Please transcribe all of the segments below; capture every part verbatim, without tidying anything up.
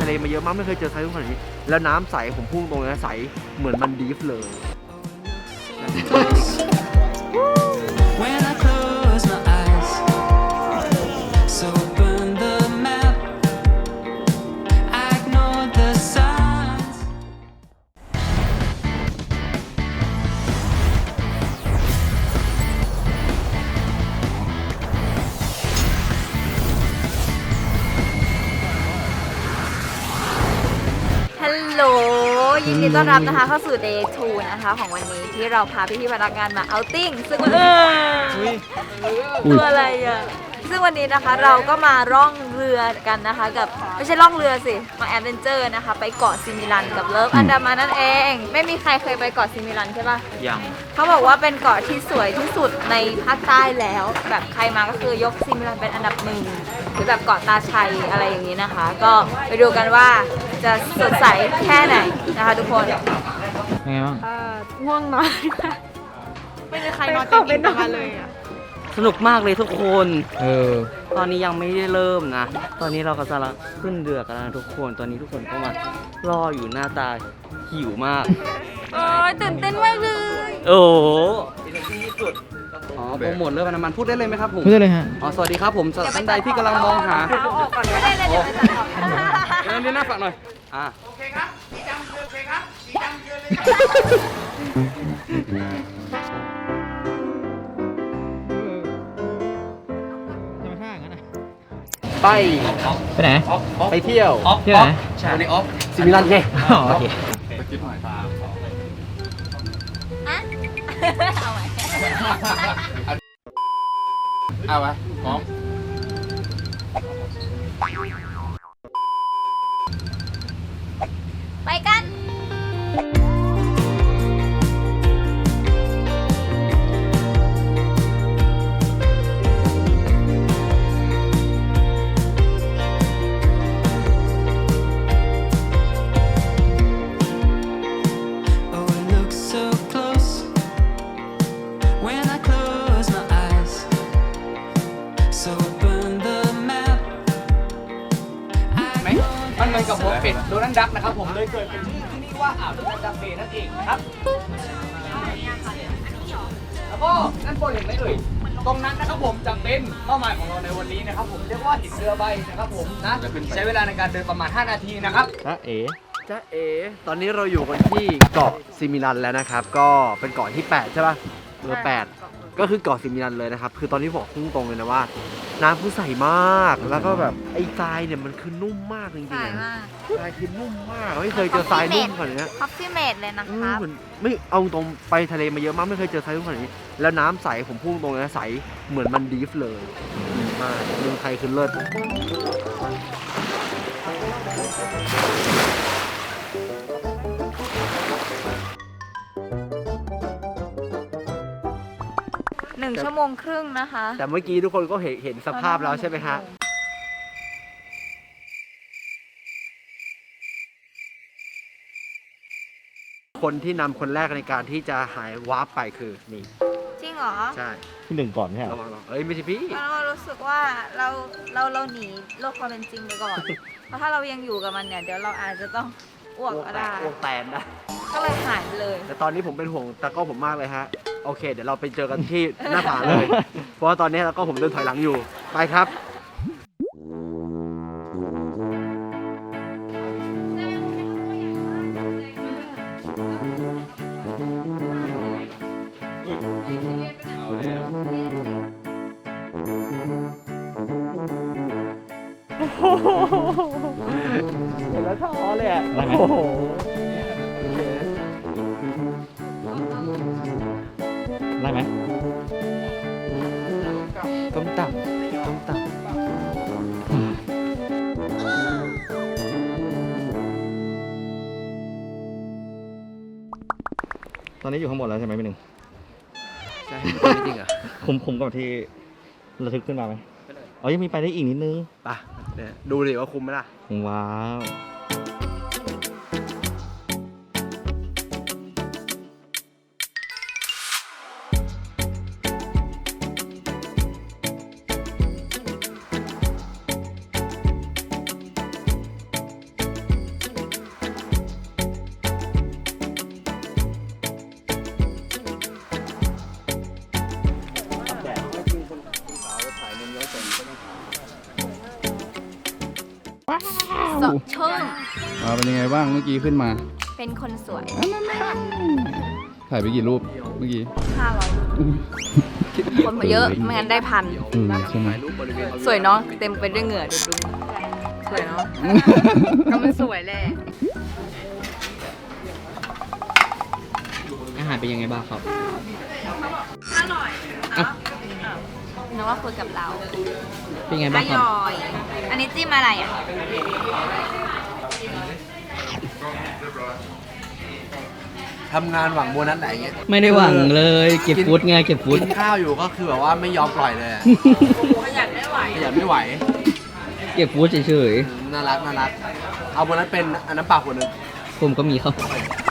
เลมาเยอะมากไม่เคยเจอทรายขนาดนี้แล้วน้ำใสผมพุ่งตรงนี้ใสเหมือนมันดีฟเลย When I close my eyes, so burn the map. I ignore the signs. ฮัลโหลยินดีต้อนรับนะคะเข้าสู่ Day ทู นะคะของวันนี้ที่เราพาพี่ๆพนักงานมาเอาติ้งซึ่งวันนี้ตัวอะไรอ่ะซึ่งวันนี้นะคะเราก็มาร่องเรือกันนะคะกับไม่ใช่ร่องเรือสิมาแอดเวนเจอร์นะคะไปเกาะซิมิลันกับเลิฟอันดามันนั่นเองไม่มีใครเคยไปเกาะซิมิลันใช่ปะยังเขาบอกว่าเป็นเกาะที่สวยที่สุดในภาคใต้แล้วแบบใครมาก็คือยกซิมิลันเป็นอันดับหนึ่งหรือแบบเกาะตาชัยอะไรอย่างนี้นะคะ ก็ไปดูกันว่าจะสดใสแค่ไหนนะคะทุกคนยังไงบ้างง่วงนอนไม่มีใครนอนเต็มอิ่มกันเลยอ่ะสนุกมากเลยทุกคนเออตอนนี้ยังไม่ได้เริ่มนะ ตอนนี้เรากำลังขึ้นเรือกันแล้วนะทุกคน ตอนนี้ทุกคนก็มารออยู่หน้าตาหิวมากโอ้ยตื่นเต้นมากเลยโอ้โหอ๋อโปรโมทเรื่องน้ำมันพูดได้เลยไหมครับผมพูดได้เลยฮะอ๋อ สวัสดีครับผมสำหรับท่านใดที่กำลังมองหาเอาออกก่อนก็ได้เลยเดี๋ยวไปตัดออกเดี๋ยวนี้หน้าฝากหน่อย อ่า ไปไปไหนไปเที่ยวที่ไหนใช่วันนี้ออฟซิมิลันไงอ๋อโอเคเอาไหมเอาไว้พร้อมไปกัน Oh, it looks so close when I close my eyes. So burn the map. ไหมมันเหมือนกับหัวเป็ดโดนัลด์ดักนะครับผมเลยเกิดเป็นชื่อที่นี่ว่าอ่าวโดนัลด์ดักเบย์นั่นเองนะครับแล้วก็นั่นบนเห็นไหมเอ่ยตรงนั้นนะครับผมจะเป็นเป้าหมายของเราในวันนี้นะครับผมเรียกว่าหินเรือใบนะครับผมนะใช้เวลาในการเดินประมาณห้านาทีนะครับจ้าเอ๋จ้าเอ๋ตอนนี้เราอยู่กันที่เกาะซิมิลันแล้วนะครับก็เป็นเกาะที่แปดใช่ป่ะเรือแปดก็คือเกาะซิมิลันเลยนะครับคือตอนนี้บอกพุ่งตรงเลยนะว่าน้ำคือใสมากแล้วก็แบบไอ้ทรายเนี่ยมันคือนุ่มมากจริงๆใส่อะมากทรายคือนุ่มมากไม่เคยเจอทรายนุ่มขนาดนี้คอฟฟี่เมดเลยนะเอคอรับเหมือนไม่เอาตรงไปทะเลมาเยอะมากไม่เคยเจอทรายนุ่มขนาดนี้แล้วน้ำใสผมพุ่งตรงเลยใสเหมือนมันดีฟเลยดีมากเมืองไทยคือเลิศหนึ่งชั่วโมงครึ่งนะคะแต่เมื่อกี้ทุกคนก็เห็นเห็นสภาพแล้วใช่ไหมฮะคนที่นำคนแรกในการที่จะหายวาร์ปไปคือนี่จริงเหรอใช่ที่หนึ่งก่อนใช่ไหมระวังระวังเอ้ยไม่ใช่พี่เรารู้สึกว่าเราเราเราหนีโลกความเป็นจริงไปก่อน เพราะถ้าเรายังอยู่กับมันเนี่ยเดี๋ยวเราอาจจะต้องอ้วกก็ได้อ้วกแตนนะก็เลยหายไปเลยแต่ตอนนี้ผมเป็นห่วงตากล้องผมมากเลยฮะโอเค เดี๋ยวเราไปเจอกันที่หน้าผาเลย เพราะว่าตอนนี้ตากล้องผมเดินถอยหลังอยู่ไปครับเห็นแล้วท้อเลยอ่ะได้ไหมโอ้โหได้ไหมต้มตับต้มตับตอนนี้อยู่ข้างบนแล้วใช่ไหมพี่หนึ่งใช่จริงเหรอคุ้มคุ้มกับที่ระทึกขึ้นมาไหมอ๋อยังมีไปได้อีกนิดนึงป่ะเนี่ยดูดิว่าคุ้มไหมล่ะว้าวตาะเชิงอ่าเป็นยังไงบ้างเมื่อกี้ขึ้นมาเป็นคนสวยถ่ายไปกี่รูปเมื่อกี้ห้าร้อยคนมาเยอะไม่งั้นได้พันอืมใช่ไหมสวยเนาะเต็มไปด้วยเหงื่อดูดูสวยเนาะ ก็มันสวยแหละอาหารเป็นยังไงบ้างครับอร่อยนึกว่าคุยกับเราเป็นไงอบ้างครับร่อย อันนี้จิ้มอะไรอ่ะทำงานหวังโบนัสไหนเงี้ยไม่ได้หวังเลย เก็บฟุตไงเก็บฟุตกินข้าวอยู่ก็คือแบบว่าไม่ยอมปล่อยเลยอะขยันไม่ไหวขยันไม่ไหวเก็บฟุตเฉยน่ารักน่ารัก เอาโบนัสเป็นอันน้ำเปล่าขวดหนึงๆ ผมก็มีครับ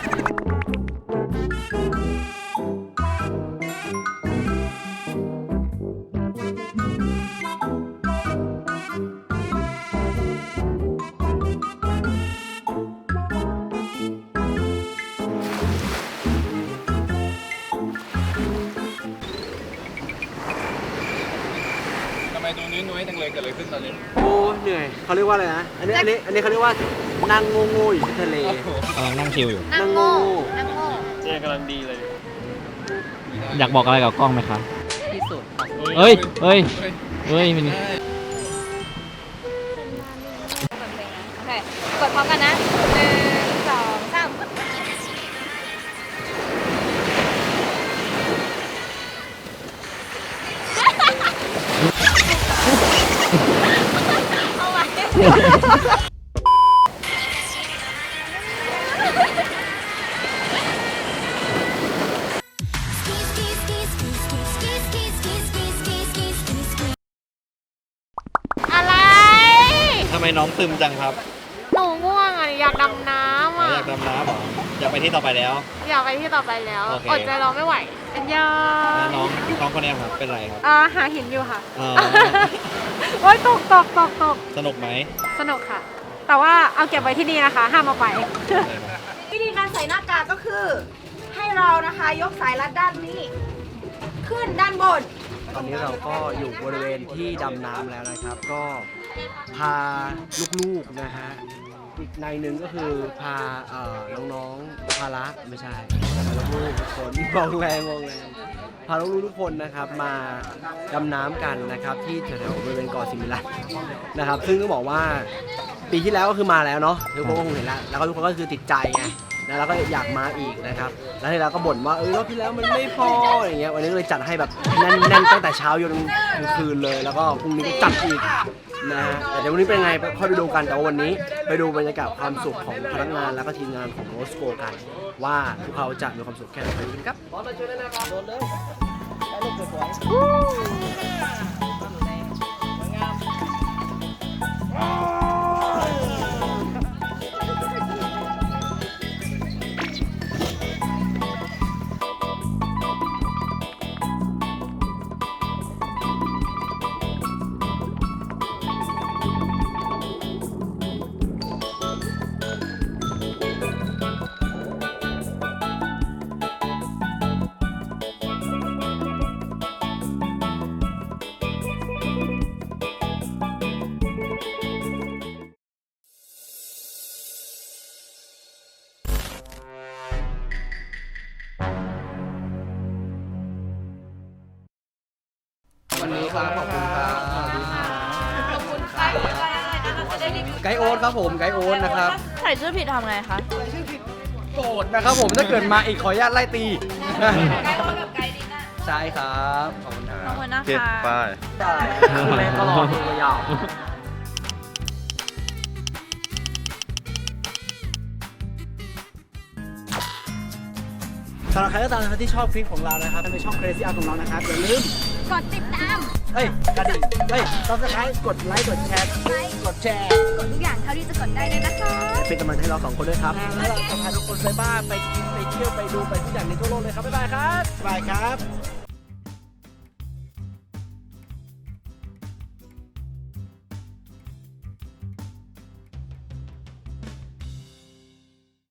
ทำไมตรงนี้นุ้ยจังเลยเกิดอะไรขึ้นตอนนี้โอ้เหนื่อยเขาเรียกว่าอะไรนะ อันนี้อันนี้อันนี้เขาเรียกว่านั่งโง่ๆอยู่ที่ทะเลกำลังนั่งชิลอยู่นั่งโง่นั่งโง่อยากบอกอะไรกับกล้องไหมครับ ที่สุดเฮ้ย เฮ้ย เฮ้ยมันโอเค กดพร้อมกันนะหนึ่งสองสามเอาไว้อะไรทำไมน้องตึมจังครับหนูง่วงอ่ะอยากดำน้ำอ่ะอยากดำน้ำเหรอ อยากไปที่ต่อไปแล้วอยากไปที่ต่อไปแล้วโอเคอดใจรอไม่ไหวอันยาแล้วน้องน้องคนนี้ครับ เป็นไรครับอ่าหาหินอยู่ค่ะอ๋อโอ๊ยตกตกตกตกสนุกไหมสนุกค่ะ แต่ว่าเอาเก็บไว้ที่นี่นะคะ ห้ามเอาไปวิธีการใส่หน้ากากก็คือ ให้เรานะคะยกสายรัดด้านนี้ ขึ้นด้านบนตอนนี้เราก็อยู่บริเวณที่ดำน้ำแล้วนะครับ ก็พาลูกๆนะฮะ อีกในหนึ่งก็คือพาเอ่อน้องๆพาละไม่ใช่พาลูกๆทุกคนมองแรงมองแรงพาลูกๆทุกคนนะครับมาดำน้ำกันนะครับ ที่แถวๆบริเวณเกาะสิมิลันนะครับ ซึ่งต้องบอกว่าปีที่แล้วก็คือมาแล้วเนาะทุกคนก็คงเห็นแล้วแล้วก็ทุกคนก็คือติดใจไงนะแล้วก็อยากมาอีกนะครับ แล้วที่แล้วก็บ่นว่าเออรอบที่แล้วมันไม่พออย่างเงี้ยวันนี้ก็เลยจัดให้แบบแน่นๆตั้งแต่เช้าจนกลางคืนเลย แล้วก็พรุ่งนี้ก็จัดอีกนะฮะแต่เดี๋ยววันนี้เป็นไงค่อยไปดูกันแต่ว่าวันนี้ไปดูบรรยากาศความสุขของพนักงานแล้วก็ทีมงานของโรสโกกัน ว่าพวกเขาจะมีความสุขแค่ไหนไปดูกันครับบอสมาช่วยนะครับโดนเลยได้ลูกสวยวันนี้ครับขอบคุณครับสวัสดีครับขอบคุณค่ะจะได้รีวิวไกด์โอ๊ตครับผมไกด์โอ๊ตนะครับใส่ชื่อผิดทำไงคะโกรธนะครับผมถ้าเกิดมาอีกขออนุญาตไล่ตีไกด์โอ๊ตกับไกด์ดิน่าใช่ครับขอบคุณคขรัอบบคุณนะคะได้แม่ก็รอตัวยาวสำหรับใครก็ตามนะครับที่ชอบคลิปของเรานะครับในช่อง Crazy Art ของเรานะครับอย่าลืมกดติดตามเฮ้ยกระดิ่งเฮ้ย Subscribe กดไลค์กดแชร์กดแชร์กดทุกอย่างเท่าที่จะกดได้เลยนะคะเป็นกำลังใจให้เราสองคนด้วยครับแล้วเราจะพาทุกคนไปบ้านไปกินไปเที่ยวไปดูไปทุกอย่างในทั่วโลกเลยครับบ๊ายบายครับบ๊ายบายครับ